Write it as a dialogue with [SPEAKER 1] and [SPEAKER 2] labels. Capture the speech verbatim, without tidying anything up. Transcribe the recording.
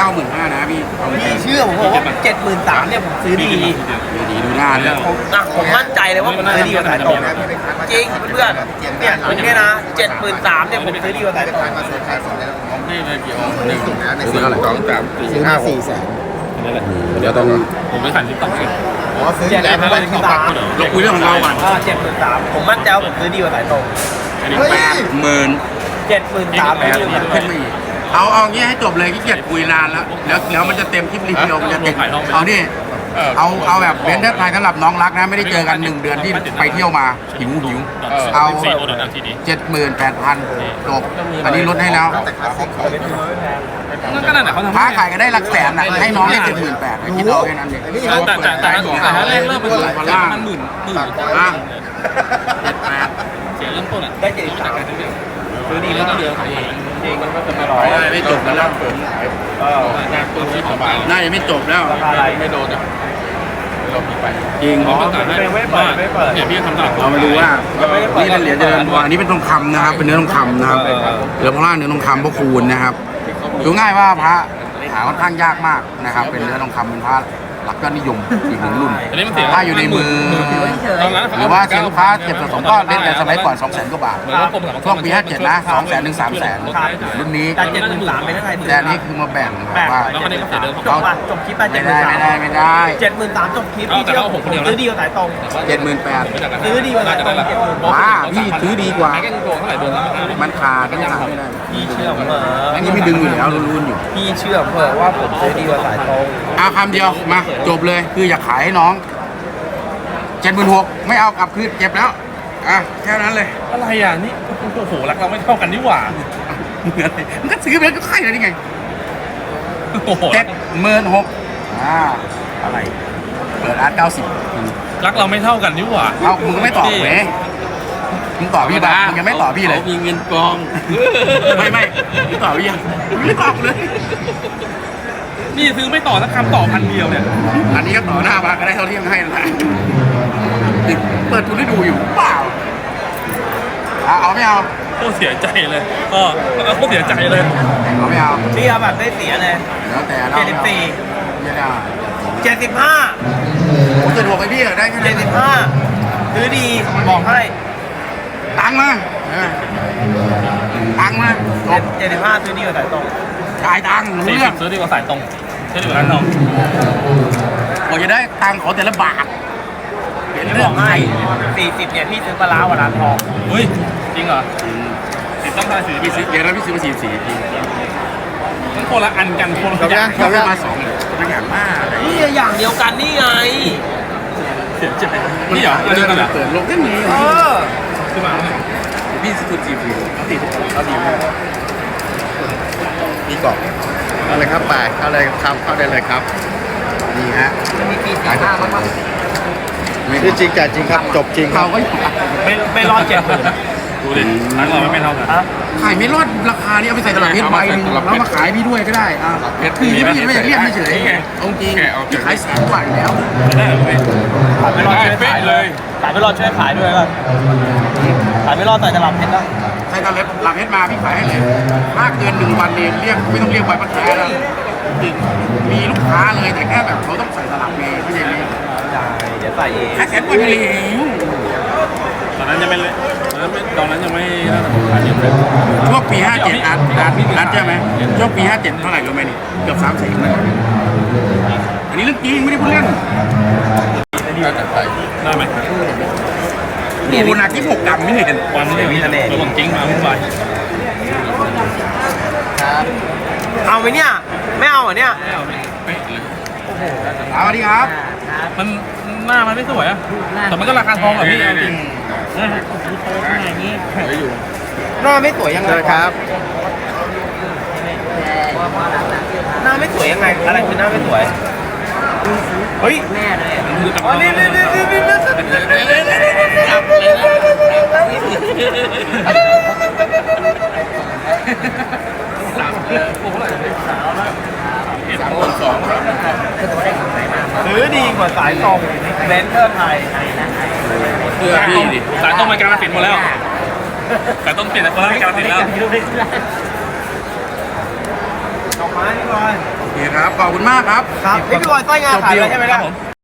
[SPEAKER 1] ก้าหมื่นห้านะพี่เอาไป
[SPEAKER 2] พี่เชื่อผมบอกว่าเจ็ดหมื่นสามเนี่ยผมซื้อดี
[SPEAKER 1] ดีดีดูหน้าเลย
[SPEAKER 2] ผมอ่ะผมมั่นใจเลยว่าผมซื้อดีกว่าสายตรงจริงเพื่อนเนี่ยผมเนี่ยนะเจ็ดหมื่นสามเนี่ยผมซื้อดีกว่าสายตรง
[SPEAKER 3] นี่เลยกี่องค์หนึ่ง
[SPEAKER 1] ซื้อเท่าไหร่
[SPEAKER 3] สองสามสี่
[SPEAKER 4] ซื้อ
[SPEAKER 3] ห้า
[SPEAKER 4] มา
[SPEAKER 3] หก
[SPEAKER 4] สี่แสน
[SPEAKER 3] นี่แหละ
[SPEAKER 1] เดี๋ยวต้อง
[SPEAKER 3] ผมไปขันที่ต่อสิ
[SPEAKER 4] อ๋อซื้อ
[SPEAKER 2] เจ็ด
[SPEAKER 4] แล้ว
[SPEAKER 2] หมื่นสาม
[SPEAKER 1] เราคุยเรื่องของเราก่อน
[SPEAKER 2] เจ็ดหมื่นสามผมมั่นใจว่าผมซื้อดีกว่าสายตรง
[SPEAKER 1] แปดหมื่น
[SPEAKER 2] เจ็ดหมื่นสาม
[SPEAKER 1] แปดหมื่นขึ้นมาอีกเอาเอางี้ให้จบเลยขี้เกียจคุยนานแล้วแล้วแล้วมันจะเต็มคลิปรีวิวมันจะเต็มเอานี่เอาเอาแบบเบนเดอร์ไทยสำหรับน้องรักนะไม่ได้เจอกันหนึ่งเดือนที่ไปเที่ยวมาหิวหิวเอาเจ็ดหมื่นแปดพันจบอันนี้ลดให้แล้ว
[SPEAKER 3] นั่นก็นั่นแหละเขาทำ
[SPEAKER 1] ค้าขายก็ได้หลักแสนนะให้น้องได้เจ็ดหมื่นแปดคิดเอาแค่นั้นเอง
[SPEAKER 3] แต่แต่แต่แต่ถ้าแรกเริ่มมันมันหมื่นหมื่น
[SPEAKER 1] ล่างเจ็ดแปด
[SPEAKER 3] เสียเริ่มต้นอ่ะ
[SPEAKER 2] ได้เจ็ดสามซื้อดีแล้วก็เดือนของจริงมันก็จะไม่ร้อย
[SPEAKER 1] ไม่จบกันแล้ว
[SPEAKER 2] ก็
[SPEAKER 3] งานตัวที่สบาย
[SPEAKER 1] น่าจะไม่จบแล้ว
[SPEAKER 2] ราคาอะไร
[SPEAKER 3] ไม่โดนอ่ะเรามีไป
[SPEAKER 1] จริง
[SPEAKER 3] เขาประกาศให้ว่าเนี่ยพี่ทำตลาด
[SPEAKER 1] เรามาดูว่านี่เป็นเหรียญเจริญพรอันนี้เป็นทองคำนะครับ เป็นเนื้อทองคำนะครับเหลือพล่าเนื้อทองคำพระคูณนะครับดูง่ายว่าพระหาค่อนข้างยากมากนะครับ เป็นเนื้อทองคำเป็นพระหลักยอดนิยมอีกหนึ่งรุ่น
[SPEAKER 3] อันนี้มันเสีย
[SPEAKER 1] ถ้าอยู่ในมือ
[SPEAKER 3] ตอนนั้น
[SPEAKER 1] หรือว่าเซ็นลูกค้าเก็บสะสมก็เล่นแต่สมัยก่อนสองแสนกว่าบาท
[SPEAKER 3] เหมือนว่าผม
[SPEAKER 1] ช่วงปีห้าเจ็ดนะสองแสนถึงสามแสนรุ่นนี้
[SPEAKER 2] แต่เจ็ดหมื่นสามเป็นเท่าไหร่
[SPEAKER 1] แต่อันนี้คือมาแบ่ง
[SPEAKER 2] แบ่ง
[SPEAKER 1] ว่า
[SPEAKER 3] แล้วก็นี่ก็เสียเดิม
[SPEAKER 2] จบป่ะจบคลิปไปเจ็
[SPEAKER 1] ไม่
[SPEAKER 2] ดหมื่
[SPEAKER 1] ได้
[SPEAKER 2] นสาม
[SPEAKER 1] ไม่ได้ไม่ได้
[SPEAKER 2] เจ็ดหมื่นสามจบคลิปพี่เชื่อผมซื้อดีกว่าสายตรง
[SPEAKER 1] เจ็ดหมื่นแปด
[SPEAKER 2] ซื้อดีกว่าสายตรงเจ็ดหมื่น
[SPEAKER 1] ว้าพี่ซื้อดีกว่า
[SPEAKER 3] แค่โกงเท่าไหร่เดือนละ
[SPEAKER 1] มันขาดมันขาดไม่ได้
[SPEAKER 2] พี่เชื่อผมเหรอ
[SPEAKER 1] อันนี้ไม่ดึงอยู่แล้วรุนๆอยู่
[SPEAKER 2] พี่เชื่อผมเหรอว่าผมซื้อดีกว่าสายตรง
[SPEAKER 1] เอาคำเดียวมาจบเลยคืออยากขายให้น้องเจ็ดหมื่นหกไม่เอากลับคืนเก็บแล้วอ่ะแค่นั้นเลย
[SPEAKER 3] อะไรอ่ะนี่โอ้โหรักเราไม่เท่ากันนี่หว่า
[SPEAKER 1] เหมือนเลยมันก็ซื้อไปแล้วก็ขายเลยนี่ไง
[SPEAKER 3] โอ้โห
[SPEAKER 1] เจ็ดหมื่นหกอ่าอะไรเปิดอาร์ตเก้าสิบ
[SPEAKER 3] รักเราไม่เท่ากันนี่หว่า
[SPEAKER 1] เอามึงก็ไม่ตอบเว้ยมึงตอบพี่บ้างมึงยังไม่ตอบพี่เลย
[SPEAKER 3] มีเงินกอง
[SPEAKER 1] ไม่ไม่มึงตอบพี่ยังมึงไม่ตอบเลย
[SPEAKER 3] นี่ซื้อไม่ต่อสักคำต่อพันเดียวเนี่ย
[SPEAKER 1] อันนี้ก็ต่อหน้ามาก็ได้เท่าที่ยังให้นั่นแหละเปิดทุนให้ดูอยู่เปล่าอ่ะเอาไม่เอา
[SPEAKER 3] โคตรเสียใจเลยก็โคตรเสียใจเลย
[SPEAKER 1] เอาไม่เอา
[SPEAKER 2] พี่เอาแบบได้เสียเลย
[SPEAKER 1] แล้วแต่เรา
[SPEAKER 2] เจ็ดสิบสี่
[SPEAKER 1] ไม่ได้
[SPEAKER 2] เจ็ดสิบห้า
[SPEAKER 1] ผมจะบอกไปพี่ได้แค่
[SPEAKER 2] เจ็
[SPEAKER 1] นั้
[SPEAKER 2] ด
[SPEAKER 1] น
[SPEAKER 2] สิบห้าซื้อดีบอกให้
[SPEAKER 1] ตังค์มาเออตังค์มาจบ
[SPEAKER 2] เจ็ดสิบห้าซื้อดีกว่าสายตรง
[SPEAKER 1] จ่ายตังค์รู้
[SPEAKER 3] สี่
[SPEAKER 1] เรื่
[SPEAKER 3] สิ
[SPEAKER 1] อง
[SPEAKER 3] บซื้อดีกว่าสายตรงซื้อดีกว่าร้านทอง
[SPEAKER 1] กว่าจะได้ตังค์ขอแต่ละบาทเป็น
[SPEAKER 2] พี่
[SPEAKER 1] เรื่
[SPEAKER 2] บ
[SPEAKER 1] อ
[SPEAKER 2] อง กให้
[SPEAKER 1] ให้
[SPEAKER 2] สี่สิบเนี่ยพี่ซื้อปลาร้าวันร้านทอง
[SPEAKER 3] เฮ้ยจริงเหรอติดต้องทายสี
[SPEAKER 1] พี่ซื้อเดี๋ยวนะพี่ซื้อมาสี่สี่จริง
[SPEAKER 3] มันคนละอันกันคนละ
[SPEAKER 1] เขา
[SPEAKER 3] อย่าง
[SPEAKER 1] เขาได้มาสองตัวอย่างมาก
[SPEAKER 2] นี่อย่างเดียวกันนี่ไง
[SPEAKER 3] เสียใจนี่เหรออันเดียวกันเหรอ
[SPEAKER 1] เปิดลงแค่นี้
[SPEAKER 2] เออ
[SPEAKER 3] ซื้อมา
[SPEAKER 1] พี่ซื้อจีพีเอาตีเอาตีมา
[SPEAKER 4] มีกล่องเอาเลยครับไปเข้าเลยครับเข้าได้เลยครับ
[SPEAKER 1] นี่ฮะ
[SPEAKER 2] จะมีปีสี่ห้าบ้างมั้ง
[SPEAKER 4] ชื่อจริงจ่ายจริงครับจบจริงค
[SPEAKER 1] เขา
[SPEAKER 4] รับ
[SPEAKER 1] ก็อยู่
[SPEAKER 2] ไม่ไม่รอดเจ็ดหมื่น
[SPEAKER 3] ดูดิร้านเราไม่เท่ากัน
[SPEAKER 2] ฮะ
[SPEAKER 1] ขายไม่รอดราคานี้เอาไปใส่ตลับเพชรใบหนึงแล้วมาขายพี่ด้วยก็ได้อ่ะคือพี่ไม่อยากเรียกเฉยๆเอาจริงพี่ขายแสนกว่าอยู่แล้ว
[SPEAKER 3] ได้เลย
[SPEAKER 2] ขายไม่รอดช่วยขาย
[SPEAKER 3] เลย
[SPEAKER 2] ขายไม่รอดช่วยขายด้วยก็ขายไม่รอดใส่ตลับเพชรแล้ว
[SPEAKER 1] ใส่ตลับหลับเพชรมาพี่ขายให้เลยถ้าเกินหนึ่งวันเนี่ยเรียกไม่ต้องเรียกใบพันแท้แล้วจริงมีลูกค้าเลยแต่แค่แบบเขาต้องใส่ตลับเมย์พี่เจนี่
[SPEAKER 2] เดี๋ยวใส่เอง
[SPEAKER 1] แค่แสนกว่าอยู่แล้ว
[SPEAKER 3] ตอนนั้นยังไม่เลยตอนนั้นไม่ตอนนั้นยังไม่น่าจะขายเยอะเลย
[SPEAKER 1] ช่วงปีห้าเจ็ดอาร์ตอาร์ตอาร์ตใช่ไหมช่วงปีห้าเจ็ดเท่าไหร่รู้ไหมนี่เกือบสามแสนเลยอันนี้เรื่องจริงไม่ได้พูดเล่น
[SPEAKER 3] ได้ไหม
[SPEAKER 1] ดูหนักที่หกกรัมไม่เห็น
[SPEAKER 3] วันนี้มีทะเลตัวของจริงมาวุ่นวาย
[SPEAKER 2] เอาไหมเนี่ยไม่เอาเหรอเนี่ย
[SPEAKER 1] เอาดีครับ
[SPEAKER 3] มันหน้ามันไม่สวยอะแต่มันก็ราคาทองอะพี่จริง
[SPEAKER 2] หน้าไม่สวยยังไง
[SPEAKER 4] เชิญครับ
[SPEAKER 2] หน้าไม่สวยยังไงอะไรคือหน้าไม่สวยเฮ้ยอ๋อนี่นี่นี่นี่นี่ซื้อดีกว่าสายตรงเบนเทอร์ไทย
[SPEAKER 3] เสื้อพี่ดิสายต้องมาการสินหมดแล้วสายต้องเปลี่ยนแต่คนละการสินแล้ว
[SPEAKER 2] ดอกไม้นี่ก่อน
[SPEAKER 1] เคครับขอบคุณมากครับ
[SPEAKER 2] ครับพี่บอยสร้อยงาขายแล้วใช่ไหม
[SPEAKER 3] ครั
[SPEAKER 2] ล่ะ
[SPEAKER 3] บผม